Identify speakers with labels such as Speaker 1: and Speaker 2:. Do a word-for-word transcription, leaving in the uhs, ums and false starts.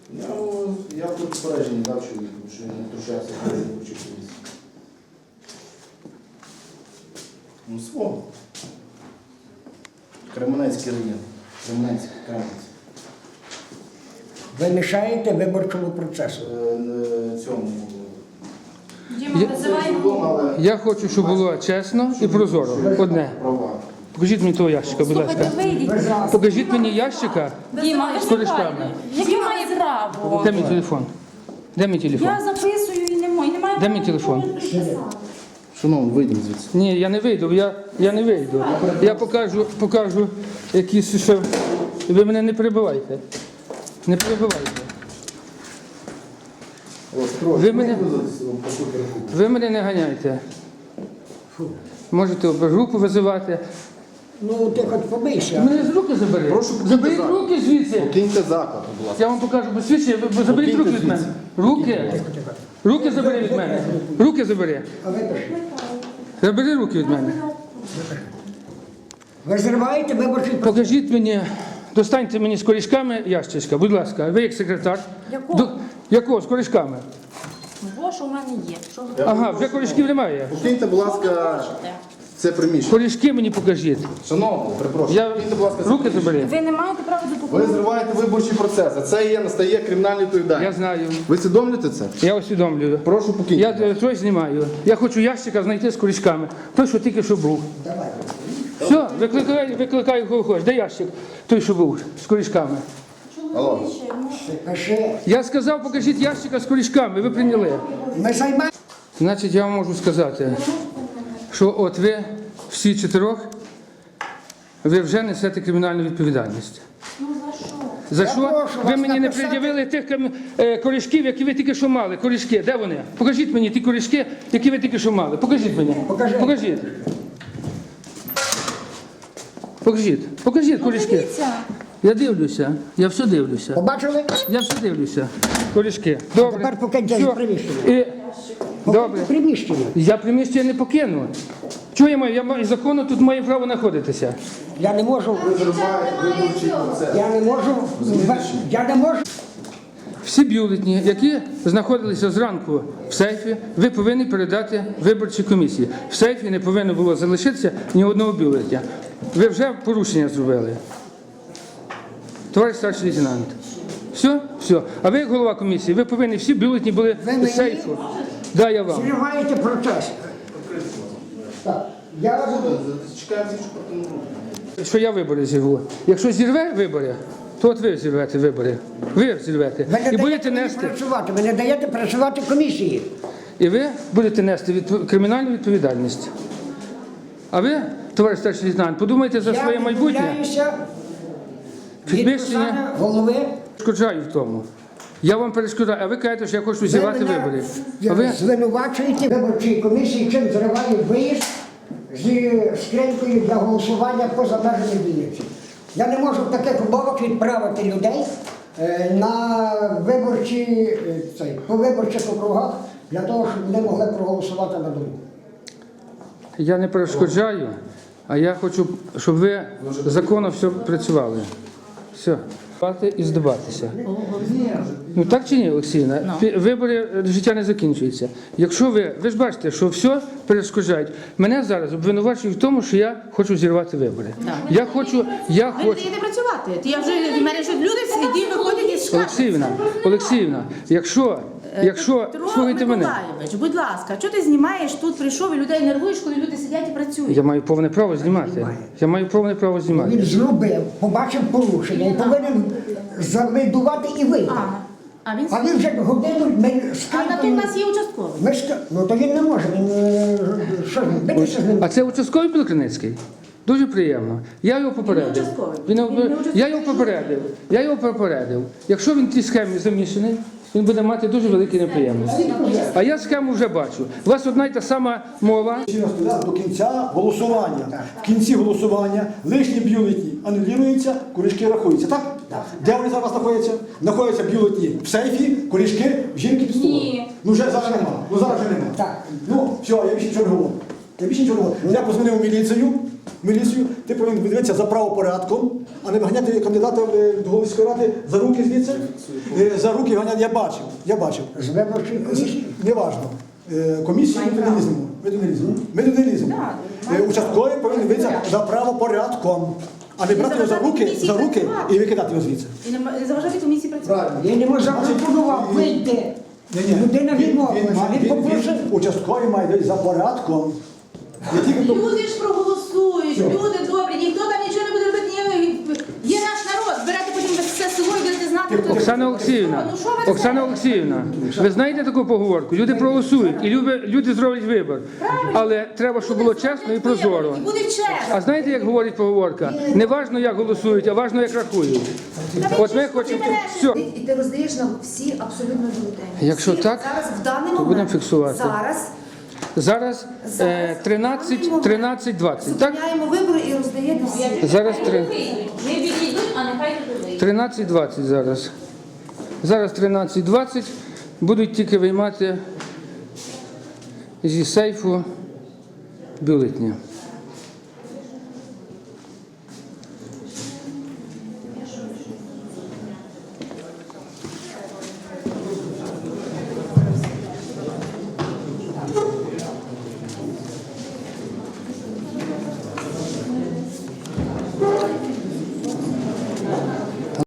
Speaker 1: Я, я тут попередження дав чоловіку, що він не втручався в виборчу комісію. Ну, свого. Кременецький район. Кременецький, Кременець.
Speaker 2: Ви мішаєте виборчому процесу.
Speaker 1: Е, е, Цьому.
Speaker 3: Діма, визивай.
Speaker 1: але
Speaker 4: Я хочу, щоб було чесно і прозоро. Одне.
Speaker 1: права.
Speaker 4: Покажіть мені того ящика, будь ласка.
Speaker 3: Слухайте, вийдіть.
Speaker 4: Покажіть мені ящика.
Speaker 3: Діма,
Speaker 4: З корешками.
Speaker 3: Який має право?
Speaker 4: Де мій телефон? Де мій телефон?
Speaker 3: Я записую і не маю. Немає
Speaker 4: Де мій телефон?
Speaker 1: Шановний, вийдіть звідси.
Speaker 4: Ні, я не вийду, я, я не вийду. Я покажу, покажу якісь ще. Ви мене не перебивайте. Не перебивайте. Ви мене, ви мене не ганяйте. Можете групу визивати.
Speaker 2: Ну, ти хоч побийся.
Speaker 4: Мене з руки забери.
Speaker 1: Прошу, покиньте
Speaker 4: Заберіть
Speaker 1: заклад.
Speaker 4: руки звідси.
Speaker 1: Покиньте заклад, будь ласка.
Speaker 4: Я вам покажу посвідчення, ви- ви заберіть руки від мене. Руки. Руки забери від мене. Руки забери.
Speaker 2: А ви пишете.
Speaker 4: Забери руки від мене.
Speaker 2: Ви зриваєте виборчий процес.
Speaker 4: Покажіть мені, достаньте мені з корішками ящичка, будь ласка. Ви як секретар.
Speaker 3: Якого?
Speaker 4: До- Якого? З корішками?
Speaker 3: Бо що в мене є? Що ви
Speaker 4: Ага, вже корішків немає.
Speaker 1: Покиньте, будь ласка,
Speaker 3: хочете?
Speaker 1: це приміщення.
Speaker 4: Корішки мені покажіть.
Speaker 1: Шановний, перепрошую.
Speaker 4: Я...
Speaker 1: Покиньте, будь ласка, це
Speaker 4: Руки
Speaker 1: приміщення.
Speaker 4: забери.
Speaker 3: Ви не маєте права до
Speaker 1: Ви
Speaker 3: документів.
Speaker 1: зриваєте виборчий процес, а це є, настає кримінальна
Speaker 4: Я
Speaker 1: відповідальність.
Speaker 4: знаю.
Speaker 1: Ви усвідомлюєте це?
Speaker 4: Я усвідомлюю.
Speaker 1: Прошу покиньте.
Speaker 4: Я е, щось знімаю. Я хочу ящика знайти з корішками. Той, що тільки що був. Все, викликай, викликай кого хочеш. Де ящик? Той, що був з корішками.
Speaker 1: Алло.
Speaker 2: Пиши.
Speaker 4: Я сказав, покажіть ящика з корішками. Ви прийняли.
Speaker 2: Ми займаємо.
Speaker 4: Значить, я вам можу сказати, що от ви всі чотирьох, ви вже несете кримінальну відповідальність.
Speaker 3: Ну за що?
Speaker 4: За
Speaker 2: Я
Speaker 4: що?
Speaker 2: прошу
Speaker 4: Ви
Speaker 2: вас
Speaker 4: мені не
Speaker 2: написати-
Speaker 4: пред'явили тих кам- е, корішків, які ви тільки що мали. Корішки, де вони? Покажіть мені ті корішки, які ви тільки що мали. Покажіть мені.
Speaker 2: Покажи.
Speaker 4: Покажіть. Покажіть. Покажіть корішки.
Speaker 3: Дивіться.
Speaker 4: Я дивлюся. Я все дивлюся.
Speaker 2: Побачили?
Speaker 4: Я все дивлюся. Корішки. Добре.
Speaker 2: тепер покиньте
Speaker 4: Все.
Speaker 2: приміщення.
Speaker 4: І... Добре.
Speaker 2: Приміщення.
Speaker 4: Я приміщення не покину. Чого я маю? Я маю законно тут маю право знаходитися.
Speaker 2: Я не можу.
Speaker 1: Ви зриваєте виборчий процес.
Speaker 2: Я не можу. Я не можу.
Speaker 4: Всі бюлетні, які знаходилися зранку в сейфі, ви повинні передати виборчій комісії. В сейфі не повинно було залишитися ні одного бюлетня. Ви вже порушення зробили. Товариш старший лейтенант. Все? Все. А ви, як голова комісії, ви повинні всі бюлетні були
Speaker 2: Ви
Speaker 4: в
Speaker 2: мені?
Speaker 4: сейфу. Да, я вам.
Speaker 2: Зриваєте процес. Так. Я буду.
Speaker 1: Чекаємо слідчу партійну групу.
Speaker 4: Що я вибори зірву. Якщо зірве вибори, то от ви зірвете вибори. Ви зірвете.
Speaker 2: Ви не
Speaker 4: І будете
Speaker 2: даєте мені
Speaker 4: нести.
Speaker 2: працювати. Ви не даєте працювати комісії.
Speaker 4: І ви будете нести відпо- кримінальну відповідальність. А ви, товариш старший лейтенант, подумайте за своє
Speaker 2: Я
Speaker 4: майбутнє.
Speaker 2: відмовляюся від
Speaker 4: Підвищення
Speaker 2: посади голови.
Speaker 4: перешкоджаю в тому. Я вам перешкоджаю, а ви кажете, що я хочу
Speaker 2: Ви
Speaker 4: зірвати
Speaker 2: мене
Speaker 4: вибори. А ви
Speaker 2: звинувачуєте виборчій комісії, чим зриває виїзд зі скринькою для голосування поза межами Вінниці. Я не можу в таких умовах відправити людей е, на виборчі, е, цей, по виборчих округах для того, щоб вони могли проголосувати на думку.
Speaker 4: я не перешкоджаю, а я хочу, щоб ви законно все працювали. Все. І здаватися. Ну так чи ні, Олексійна? Пі- Вибори е, життя не закінчується. Якщо ви, ви ж бачите, що все перешкоджають. Мене зараз обвинувачують в тому, що я хочу зірвати вибори. Я хочу, я
Speaker 5: Ви не
Speaker 4: хочу.
Speaker 5: даєте працювати. Я вже в мене ж люди сидять, виходять із шкафу.
Speaker 4: Олексіївна, Олексіївна, якщо, якщо,
Speaker 5: Петро
Speaker 4: слухайте мене,
Speaker 5: Миколайович, будь ласка, що ти знімаєш тут, прийшов і людей нервуєш, коли люди сидять і працюють?
Speaker 4: я маю повне право знімати. Я маю повне право знімати.
Speaker 2: Він зробив, побачив порушення і повинен завидувати і вийти.
Speaker 5: А, а він
Speaker 2: А він вже годину ми
Speaker 5: А на то в
Speaker 2: скринькою.
Speaker 5: нас є участковий.
Speaker 2: Ми ска- Ну то він не може, він е, що ж, битися з ним.
Speaker 4: А це участковий Білокриницький? Дуже приємно. Я його попередив.
Speaker 5: Він не участковий.
Speaker 4: Він не
Speaker 5: Він не
Speaker 4: обе-
Speaker 5: участковий.
Speaker 4: Я його попередив. Я його попередив. Якщо він в тій схемі замішаний, він буде мати дуже великі неприємності. А я схему вже бачу. У вас одна й та сама мова.
Speaker 6: Стоять до кінця голосування. В кінці голосування лишні бюлетні анулюються, корішки рахуються. Так? Де вони зараз знаходяться? Знаходяться бюлетні в сейфі, корішки в жінки під столом.
Speaker 3: Ні.
Speaker 6: Ну вже зараз нема. Ну зараз вже нема.
Speaker 2: Так.
Speaker 6: Ну все, я більше нічого не говорю. Я більше нічого не говорю. Я позвонив у міліцію, міліцію, ти повинен дивитися за правопорядком, а не виганяти кандидата е, до голови сільської ради за руки звідси. Е, За руки ганяти, я бачив, я бачив.
Speaker 2: З виборчої комісії.
Speaker 6: Неважно. Е, Комісії ми туди не ліземо. Ми туди не ліземо. Ми туди не ліземо. Е, Участковий повинен дивитися за правопорядком, а не брати його за руки, за руки і викидати його звідси.
Speaker 5: І не м- не заважати комісії працювати.
Speaker 2: Я не можу запропонував вийти. Людина
Speaker 6: Він- він
Speaker 2: відмовилася.
Speaker 6: має-
Speaker 2: Він
Speaker 6: він-
Speaker 2: попросив.
Speaker 6: він- Участковий має дивитися за порядком. Не тільки то-
Speaker 5: Люди ж проголосують, люди добрі, ніхто там нічого не буде робити. ні- Є наш народ, берете потім все село і будете знати, хто
Speaker 4: Оксана Олексіївна,
Speaker 5: Ну, що ви це?
Speaker 4: Оксана Олексіївна, ви знаєте таку поговорку? Люди проголосують і люди, люди зроблять вибір. Але треба, щоб було чесно і прозоро.
Speaker 5: І буде чесно.
Speaker 4: А знаєте, як говорить поговорка? Не важно, як голосують, а важно, як рахують. От ми хочемо все.
Speaker 7: І і ти роздаєш нам всі абсолютно бюлетені.
Speaker 4: Якщо
Speaker 7: Всі
Speaker 4: так,
Speaker 7: зараз в даний
Speaker 4: то
Speaker 7: момент,
Speaker 4: будемо фіксувати.
Speaker 7: Зараз
Speaker 4: Зараз е, тринадцять, тринадцять, двадцять, так?
Speaker 7: зупиняємо вибори і роздаєте всі.
Speaker 4: Зараз три-
Speaker 3: Не відійдуть, а нехай тут вийдуть.
Speaker 4: тринадцять двадцять зараз. Зараз тринадцять двадцять будуть тільки виймати зі сейфу бюлетні.